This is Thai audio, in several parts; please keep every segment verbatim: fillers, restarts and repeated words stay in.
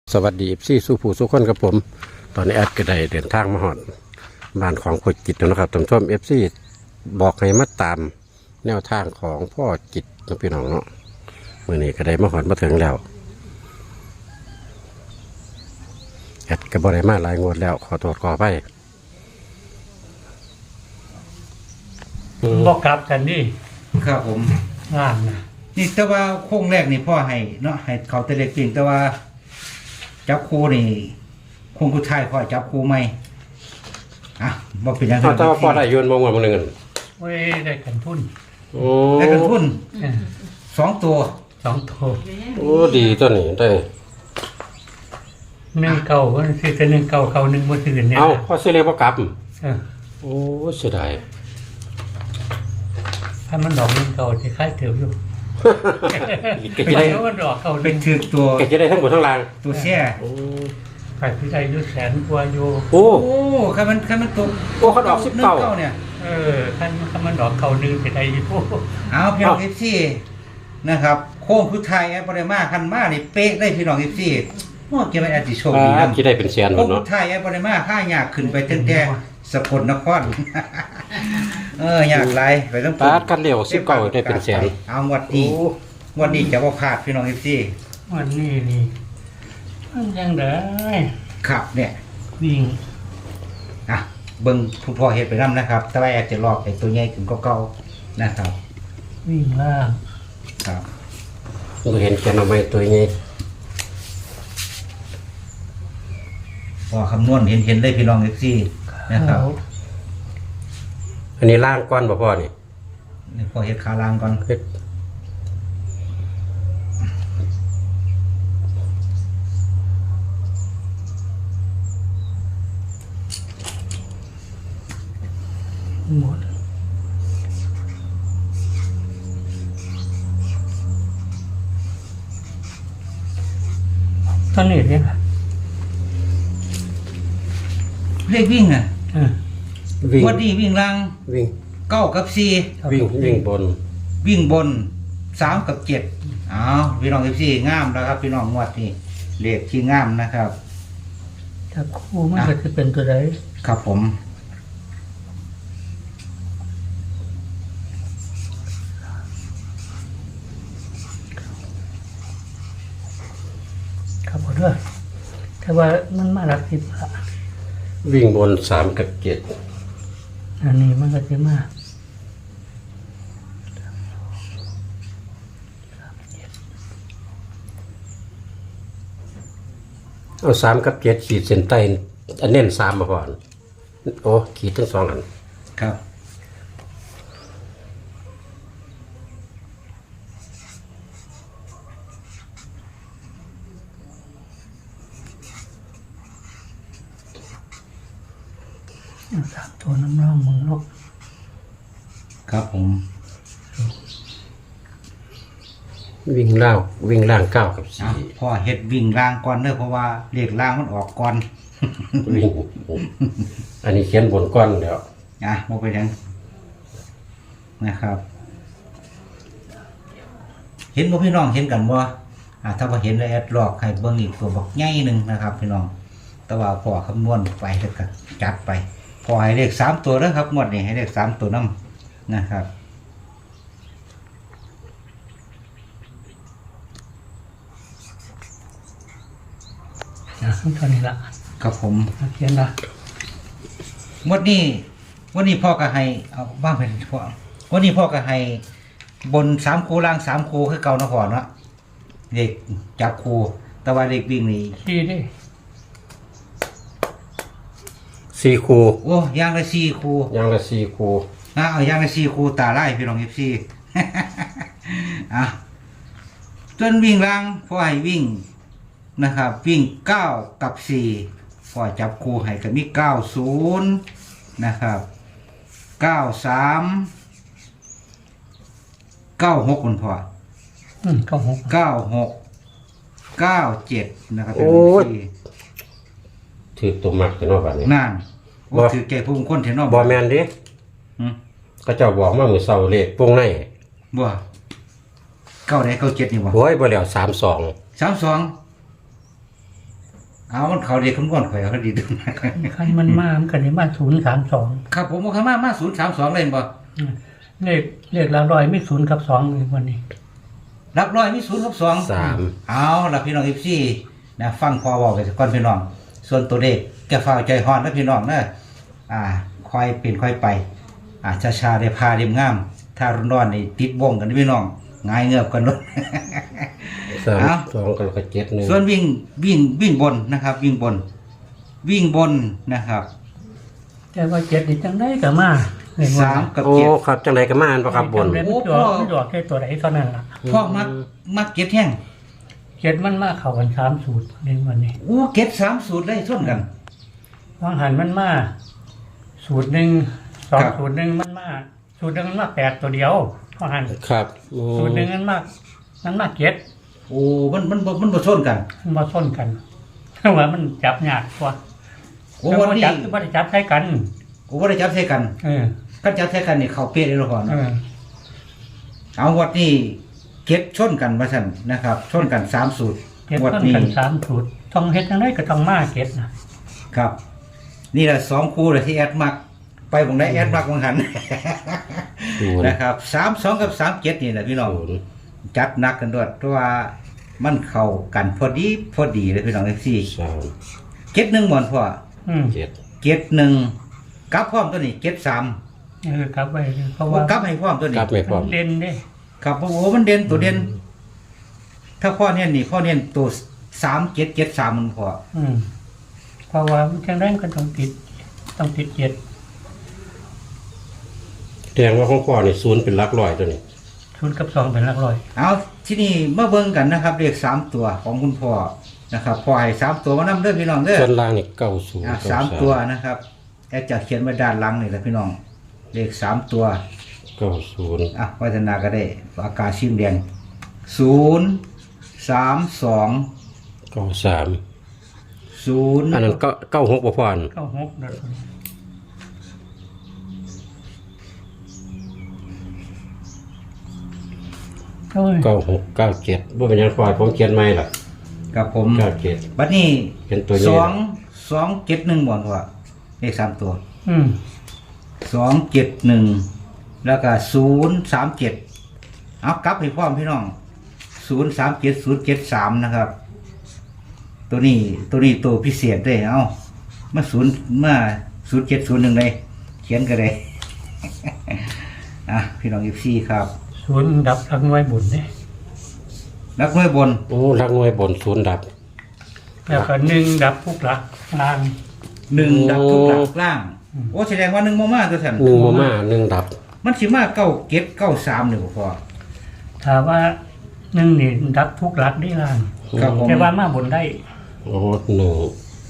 สวัสดีพี่สู้ผู้สู้คนกับผมตอนนี้แอดก็ได้เดินทางมาหอดบ้านของพ่อจิตนะครับท่านผู้ชมเอฟซีบอกให้มาตามแนวทางของพ่อจิตนะพี่น้องเนาะเมื่อนี้ก็ได้มาหอดมาถึงแล้วแอดก็บริมาหลายงวดแล้วขอโทษขอไปบอกกลับกันนี่ครับผมงานนะนี่แต่ว่าโค้งแรกนี่พ่อให้เนาะให้เขาแต่เล็กจริงแต่ว่า จับคู่นี่โค้งกุชายพ่อจับคู่ไหมอ่ะบอกเป็นยังไงเอาแต่ว่าพ่อได้โยนมองว่ามันหนึ่งอันเว้ยได้กันทุนโอ้ได้กันทุนเออสองตัวสองโทโอ้ดีตัวนี้ได้หนึ่งเก่าก็คือจะหนึ่งเก่าเก่าหนึ่งเมื่อคืนเนี่ยเอาพ่อซื้อเลยพ่อกลับเออโอ้เสียดายถ้ามันดอกหนึ่งเก่าจะค่ายเถื่ออยู่ก็ไปจะได้แล้วมันดอกเก่าหเป็นึ่นงถือตัวก็จะได้ทั้งหมดทั้งรางตัวแช่โอ้ไปพิจัยยุแสนกว่าอยู่โอ้โอ้คันมันคันมันตกโอ้เขาดอกสิบเก้าเนี่ยเออท่านถ้ามันดอกเก่าหนึ่งจะได้อยู่เอาพี่น้องเอฟซีนะครับโค้งกุชายแอปปริมาคันมานี่เป๊ะได้พี่น้องเอฟซีโอ้เกี่ยวกับแอดติโชคดีอ่านะที่ได้เป็นแสนหมโค้ดงกุเนาะชายแอปปริมาค่ายากขึ้นไปตั้งแต่สกลนคร เอออยากไรไปต้องปาดกันเร็วสิบเก้าได้เป็นแสนเอางวดนี้งวดนี้จะว่าพลาดพี่น้องเอฟซีวันนี้นี่มันยังได้ขับเนี่ยวิ่งอ่ะเบิ้งผู้พ่อเฮ็ดไปนํนะครับ แต่ว่าแอดจะลอกไอ้ตัวใหญ่ขึ้นก็เก่าๆนะครับวิ่งล่างครับเราเห็นแค่นำไม้ตัวนี้พอคำนวณเห็นเห็นได้พี่น้องเอฟซีนะครับอันนี้ล่างก้อนบ่พ่อนี่นี่พอเฮ็ดขาล่างก่อนเฮ็ดหมดตอนนี้เนี่ยค่ะเลขวิ่งอ่ะเออวิ่งงวดนี้วิ่งล่างวิ่งเก้ากับสี่วิ่งวิ่งบนวิ่งบนสามกับเจ็ดอ้าวพี่น้องเอฟซีงามแล้วครับ พี่น้องงวดนี้เลขที่งามนะครับถ้าคู่มันก็จะเป็นตัวใดครับผมครับผมด้วยแต่ว่ามันมาหลักสิบละวิ่งบนสามกับเจ็ดอันนี้มันก็จะมาเอาสามกับเจ็ดขีดเส้นใต้อันเน้นสามมาก่อนโอ้ขีดทั้งสองอันครับสามตัวน้ำร่องมือเนาะครับผมวิ่งล่างวิ่งล่างเก้ากับอ่ะสี่พ่อเฮ็ดวิ่งล่างก่อนเด้อเพราะว่าเลขล่างมันออกก่อนวิ่งอันนี้เขียนบนก้อนแล้วอ่ะมาไปยังนะครับ เห็นบ่พี่น้องเห็นกันบ่อ่ะถ้าว่าเห็นแล้วแอดลอกให้เบิ่งอีกตัวบักใหญ่หนึงนะครับ พี่น้อง แต่ว่าพ่อคำนวณไปแล้วก็จัดไปพอให้เลขสามตัวเด้อครับงวดนี้ให้เลขสามตัวนํนะครับนะตอนนี้ละครับผมเขียนละงวดนี้งวดนี้พ่อก็ให้เอาบ้างเป็นพ่องวดนี้พ่อก็ให้บนสามคูล่างสามคูคือเก่านะพ่อเนาะเด็กจับคูแต่ว่าเด็กวิ่งนี่ขี้ดิสี่คูโอ้ย่างละสี่คูยางละสี่คูนะเอาย่างละสี่คูตาไล่พี่น้องเอฟซี อ่ะจนวิ่งล่างพ่อให้วิ่งนะครับ วิ่งเก้ากับสี่พ่อจับคูให้ก็มีเก้าศูนย์นะครับเก้าสามเก้าหกคุณพ่ออืมเก้าหกเก้าหกเก้าเจ็ดนะครับเป็นที่ถือตัวมักจะนอกแบบนี้นั่นโอ้ถือแก่ผู้คนเทนอบอแมนดิหืมก็เจ้าบอกมามือเสาเลขวงในบ่เก้าได้เก้าเจ็ดนี่บ่โอ้ยบ่แล้วสามสองสามสองเอามันเขาเรียกคำนวณข่อยเขาดีดูนะคันมันมามันกันในบ้านศูนย์สามสองครับผมว่าข้ามามาศูนย์สามสองเลยบ่เลขเลขละร้อยไม่ศูนย์กับสองเลยวันนี้รับร้อยมีศูนย์กับสองสามเอาละพี่น้องเอฟซีนะฟังพอบอกไปก่อนพี่น้อง ส่วนตัวเลขแกฟ้าวใจฮอนนะพี่น้องเนอะอ่าคอยเป็นคอยไป อ่าชาชาได้พาเรียมงาม ถ้าร้อนๆนี่ติดวงกันนะพี่น้องง่ายเงือบกันเลยสามเอาสองกับเจ็ดหนึ่งส่วนวิ่งวิ่งวิ่งบนนะครับ วิ่งบน วิ่งบนนะครับแต่ว่าเจ็ดนี่จังได้กับมาเลขสามกับโอ้เจ็ดครับจังไรก็มาอันปะครับบนจำได้ไม่ตัวไม่ตัวแค่ตัวไหนเท่านั้นล่ะพ่อมักมักเก็ตแห้งเจ็ดมันมาเข้ากันสามสูตรในวันนี้อู้เก็ตสามสูตรได้ส้นกันวางหันมันมาสูตรหนึ่งสองครับสูตรหนึ่งมันมาสูตรหนึ่งมันมาแปดตัวเดียววางหันครับโอ้สูตรหนึ่งมันมามันมาเจ็ดโอ้มันมันบ่มันบ่ส้นกันมันมาส้นกัน ว่ามันจับยากกว่าโอ้แต่วันว่านี้จับคือว่าจับใช้กันโอ้ว่าได้จับใส่กันเออกันจับใส่กันนี่เขาเป๊ะเลยละก่อนเอเนาะอเอาวัดนี้เก็ตชนกันมาสั่นนะครับชนกันสามสูตรเจ็ดวัดต้นนี้กันสามสูตรต้องเฮ็ดยังไงก็ต้องมาเก็ดนะครับนี่แหละสองคู่เลยที่แอดมัก ไปผมได้แอดมักมังหันศูนย์นะครับสามสองกับสามเจ็ดนี่แหละพี่น้องศูนย์จัดหนักกันด้วยเพราะว่ามันเข้ากันพอดีพอดีเลยพี่น้องเอฟซีสามเก็ตหนึ่งหมอนพ่ออืมเจ็ดเก็ตหนึ่งกับพร้อมตัวนี้เก็ตสามเออกลับไปเพราะว่าว่ากับให้พร้อมตัวนี้กลับไม่พร้อมมันเด่นเด้ครับโอ้โหมันเด่นตัวเด่น ถ้าพ่อเนี่ยนี่พ่อเนี่ยตัวสามเจ็ดเจ็ดสามมันพออืมเพราะว่ามันจังไดมันก็ต้องติดต้องติดเจ็ดแสดงว่าของพ่อนี่ศูนย์เป็นหลักร้อยตัวนี้ศูนย์กับสองเป็นหลักร้อยเอาที่นี่มาเบิ่งกันนะครับเลขสามตัวของคุณพ่อนะครับพ่อให้สามตัวมานำเด้อพี่น้องเด้อส่วนล่างนี่เก้าศูนย์อ่ะเก้าสามตัวนะครับแอดจะเขียนไว้ด้านหลังนี่แหละพี่น้องเลขสามตัวเก้าศูนย์อ่ะวัฒนาก็ได้อากาศชิมแดงศูนย์สามสองเก้าสามศูนย์อันนั้นเก้าเก้าหกบ่พอนเก้าหกนะโอ้ยเก้าหกเก้าเจ็ดบ่เป็นหยังพอผมเขียนใหม่ล่ะกับผมเก้าเจ็ดบัดนี้เป็นตัวใหญ่สองสองเจ็ดหนึ่งบ่อนว่าเลขสามตัวอืมสองเจ็ดหนึ่งแล้วก็ศูนย์สามเจ็ดเอากลับให้พร้อมพี่น้องศูนย์สามเจ็ดศูนย์เจ็ดสามนะครับ ตัวนี้ตัวนี้ตัวพิเศษด้วยเอามาศูนย์มาศูนย์เจ็ดศูนย์หนึ่งเลยเขียนกันเลย อ่ะพี่น้องอีฟซีครับศูนย์ดับทั้งน้อยบุญเนี่ยนักมวยบนโอ้หลักหน่วยบนศูนย์ดับแล้วก็หนึ่งดับทุกหลักลางหนึ่งโอ้ดับทุกหลักล่าง โอ้แสดงว่าหนึ่งมามาตัวฉันหนึ่งบ่มาหนึ่งดับมันสิมาเก้าเก็ดเก้าสามหนึ่งพอถามว่าหนึ่งนี่ดับทุกหลักได้ลางครับผมแต่ว่ามาบนได้โอ้หนึ่ง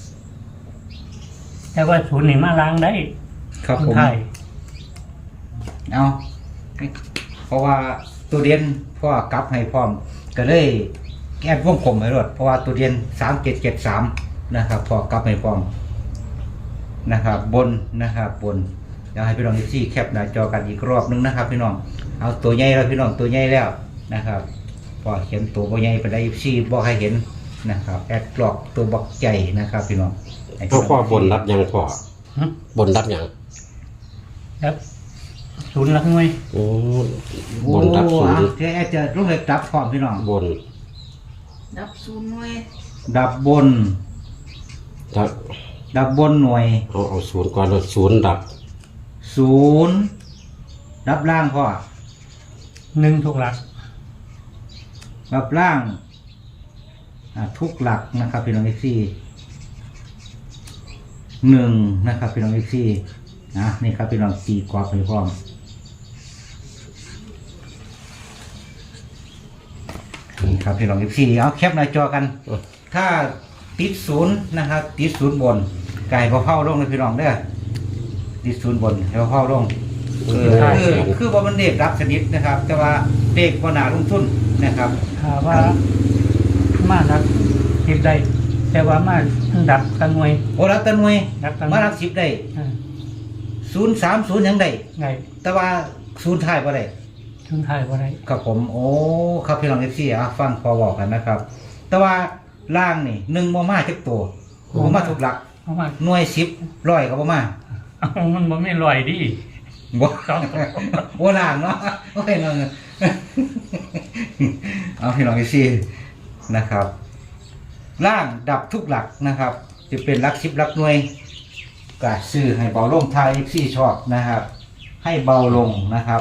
แต่ว่าศูนย์นี่มาล้างได้ครับคนผมไทยเอาเพราะว่าตัวเรียนพ่อกลับให้พร้อม ก็เลยแก้วงกลมให้รถเพราะว่าตัวเรียนสามเจ็ดเจ็ดสามนะครับพอกลับให้พร้อมนะครับ บนนะครับบนเดี๋ยวให้พี่น้องอีซี่แคปหน้าจอกันอีกรอบนึงนะครับ พี่น้องเอาตัวใหญ่แล้วพี่น้องตัวใหญ่แล้วนะครับพอเขียนตัวบ่ใหญ่ไปได้อีซี่บอกให้เห็นนะครับแอดกรอกตัวบักใหญ่นะครับ พี่น้องให้เอาพ่อบนรับหยังพ่อหึบนรับหยังครับศูนย์หลักหน่วยโอ้โอ้บนรับศูนย์เดี๋ยวแอดจะลงเลยดับพร้อมพี่น้องบนดับศูนย์หน่วยดับบนดับดับบนหน่วยเอาเอาศูนย์ก่อนแล้วศูนย์ดับศูนย์ดับล่างพ่อหนึ่งทุกหลักดับล่างอ่าทุกหลักนะครับพี่น้องเอฟซีหนึ่งนะครับพี่น้องเอฟซีนะนี่ครับพี่น้องตีกรอบไปพร้อมนี่ครับพี่น้องเอฟซีเอาแคปหน้าจอกัน ถ้าติดศูนย์นะครับติดศูนย์บนไก่พอเผาลงเลยพี่น้องเด้อติดศูนย์บนให้พอเผาลงคือคือคือว่ามันเด็กรับสนิทนะครับ แต่ว่าเด็กก็น่าลงทุนนะครับถามว่ามาดับติดได้ แต่ว่ามาดับตั้งหน่วยโอ้รับตันวยดับตั้งมารับสิบได้อ่าศูนย์สามศูนย์ยังได้ไงแต่ว่าศูนย์ท้ายบ่ได้ชุนไทยว่าไรครับผมโอ้ครับพี่น้องเอฟซีอ่ะฟังพอบอกกันนะครับ แต่ว่าล่างนี่หนึ่งโมมาจักตัวโอ้มาถูกหลักเอามาหน่วยสิบร้อยก็บ่มาเอามันบ่ไม่ลอยดิบ่สองตัวบ่ล่างเนาะโอเคเนาะเอาพี่น้องอีซี่นะครับล่างดับทุกหลักนะครับ จะเป็นหลักสิบหลักหน่วยก็ซื้อให้เบาลงทายอีซี่ชอบนะครับ ให้เบาลงนะครับ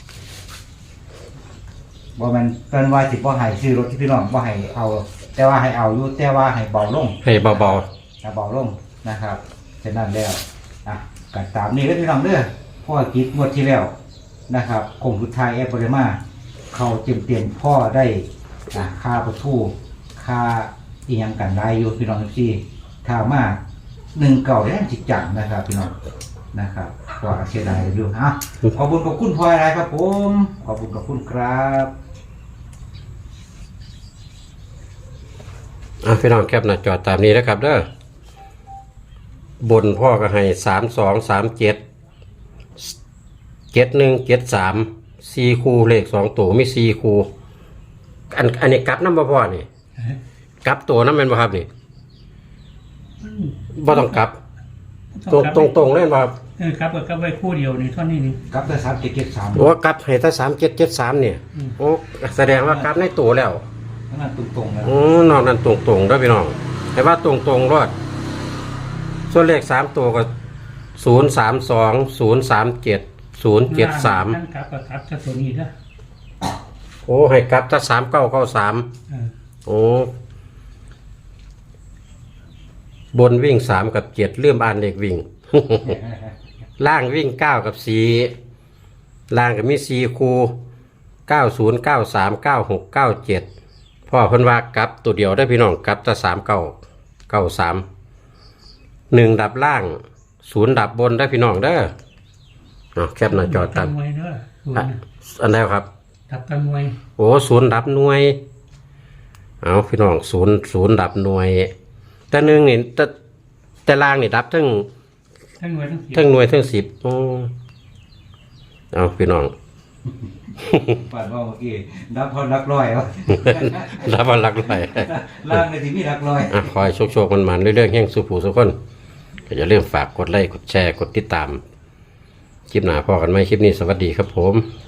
บ่แม่นเพิ่นว่าสิบ่ให้ซื้อรถที่พี่น้องบ่ให้เอา แต่ว่าให้เอาอยู่แต่ว่าให้เบาลงให้เบาถ้าเบาลงนะครับฉะนั้นแล้วอ่ะก็ตามนี้แล้วพี่น้องเด้อพ่อกิจงวดที่แล้วนะครับคงสุดท้ายแอปบริมาเขาเต็มเต็มๆพ่อได้อ่ะค่าประตูค่าอีหยังกันได้อยู่พี่น้องทุกที่ถ้ามาหนึ่งเก่าแรงจิตจังนะครับพี่น้องนะครับก็เสียดายอยู่ฮะขอบคุณขอบคุณพ่ออะไรครับผมขอบคุณขอบคุณครับๆอ่ะพี่น้องแคปหน้าจอตามนี้นะครับเด้อบนพ่อก็ให้สามสองสามเจ็ดเจ็ดหนึ่งเจ็ดสามสี่คู่เลขสองตัวมีสี่คู่อันอันนี้กลับน้ำบ่พ่อนี่กลับตัวน้ำเป็นบ่ครับนี่บ่ต้องกลับ ตรงตรงตรงๆเลยบ่ครับเออครับก็ไว้คู่เดียวนี่เท่านี้นี่ครับได้สามเจ็ดเจ็ดสามโอ้กลับให้แต่สามเจ็ดเจ็ดสามเนี่ยอืมโอ้แสดงว่ากลับในตัวแล้วนั่นตรงตรงๆแล้วโอ้นอกนั้นตรงตรงๆด้วยพี่น้องแต่ว่าตรงตรงๆรอดส่วนเลขสามตัวก็ศูนย์สามสองศูนย์สามเจ็ดศูนย์เจ็ดสามทั้งครับก็ครับจะตัวนี้นะโอ้ให้กลับถ้าสามเก้าเก้าสามเออโอ้บนวิ่งสามกับเจ็ดเลื่อมอ่านเลขวิ่ง ล่างวิ่งเก้ากับสี่ล่างก็มีสี่คูเก้าศูนย์เก้าสามเก้าหกเก้าเจ็ดพ่อเพิ่นว่ากลับตัวเดียวได้อพี่น้องกลับถ้าสามเก้าเก้าสามหนึ่งดับล่างศูนย์ดับบนได้อพี่น้องเด้อเอาแคปหน้าจอตัดมวยเด้อศูนอ่ะย์น่ะอันไหนครับทับกันมวยโอ้ศูนย์ดับหน่วย เอาพี่น้องศูนย์ศูนย์ดับหน่วย แต่หนึ่งนี่แต่แต่ล่างนี่ดับทั้งทั้งมวยทั้งสิบทั้งหน่วยทั้งสิบโอ้เอาพี่น้องปาดว่าเมื่อกี้นับพอนักร้อยวะดับวันหลักร้อยล่างในที่มีนักร้อยอ่ะคอยโชคๆมันๆเรื่อยๆแห่งสุผูสุกคนก็อย่าลืมฝากกดไลค์กดแชร์กดติดตาม คลิปหน้าพอกันไหมคลิปนี้สวัสดีครับผม